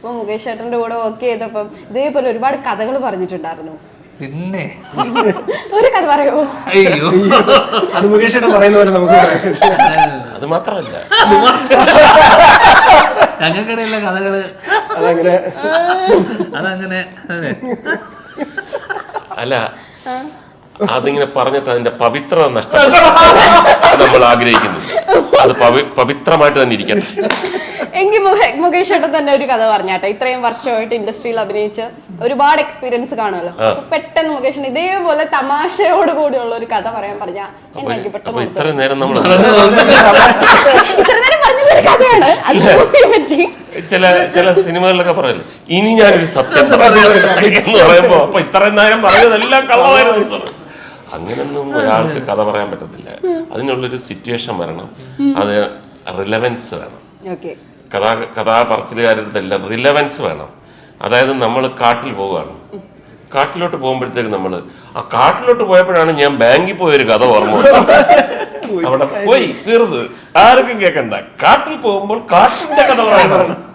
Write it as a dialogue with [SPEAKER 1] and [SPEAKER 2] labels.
[SPEAKER 1] അപ്പൊ മുകേഷ് ചേട്ടന്റെ കൂടെ വർക്ക് ചെയ്തപ്പം ഇതേപോലെ ഒരുപാട് കഥകൾ പറഞ്ഞിട്ടുണ്ടായിരുന്നു.
[SPEAKER 2] പിന്നെ
[SPEAKER 1] ഒരു കഥ പറയോ?
[SPEAKER 2] അയ്യോ,
[SPEAKER 3] അത് മുകേഷ് പറയുന്ന പോലെ നമുക്ക്
[SPEAKER 4] അത് മാത്രമല്ല
[SPEAKER 2] ഞങ്ങൾക്കിടയിലെ കഥകള് അതങ്ങനെ
[SPEAKER 4] അല്ല, അതിങ്ങനെ പറഞ്ഞിട്ട് അതിന്റെ പവിത്രത നഷ്ടപ്പെട്ടു നമ്മൾ ആഗ്രഹിക്കുന്നില്ല. അത് പവിത്രമായിട്ട് തന്നെ ഇരിക്കട്ടെ.
[SPEAKER 1] എങ്കിൽ മുകേഷ് ചേട്ടൻ തന്നെ ഒരു കഥ പറഞ്ഞാട്ടെ. ഇത്രയും വർഷമായിട്ട് ഇൻഡസ്ട്രിയിൽ അഭിനയിച്ച് ഒരുപാട് എക്സ്പീരിയൻസ് കാണുമല്ലോ. അപ്പൊ പെട്ടെന്ന് മുകേഷിന് ഇതേപോലെ തമാശയോട് കൂടിയുള്ള ഒരു കഥ പറയാൻ പറഞ്ഞാൽ എനിക്ക് പെട്ടെന്ന്
[SPEAKER 4] ഇത്ര നേരം നമ്മൾ
[SPEAKER 1] ഇത്ര നേരം പറഞ്ഞൊരു കഥയാണ് അതിനെ പറ്റി.
[SPEAKER 4] ചില സിനിമകളിലൊക്കെ പറയല്ലോ, ഇനി ഞാനൊരു സത്യം എന്ന് പറയുമ്പോ അപ്പൊ ഇത്രയും നേരം പറഞ്ഞതെല്ലാം കള്ളമായിരുന്നു. അങ്ങനൊന്നും ഒരാൾക്ക് കഥ പറയാൻ പറ്റത്തില്ല. അതിനുള്ളൊരു സിറ്റുവേഷൻ വരണം, അത് റിലവൻസ് വേണം. കഥാപറച്ചിലുകാരടുത്തെല്ലാം റിലവൻസ് വേണം. അതായത് നമ്മൾ കാട്ടിൽ പോവുകയാണ്, കാട്ടിലോട്ട് പോകുമ്പോഴത്തേക്ക് നമ്മൾ ആ കാട്ടിലോട്ട് പോയപ്പോഴാണ് ഞാൻ ബാങ്കിൽ പോയൊരു കഥ ഓർമ്മ. അവിടെ പോയി തീർന്ന് ആർക്കും കേൾക്കണ്ട. കാട്ടിൽ പോകുമ്പോൾ കാട്ടിന്റെ കഥ പറയണം.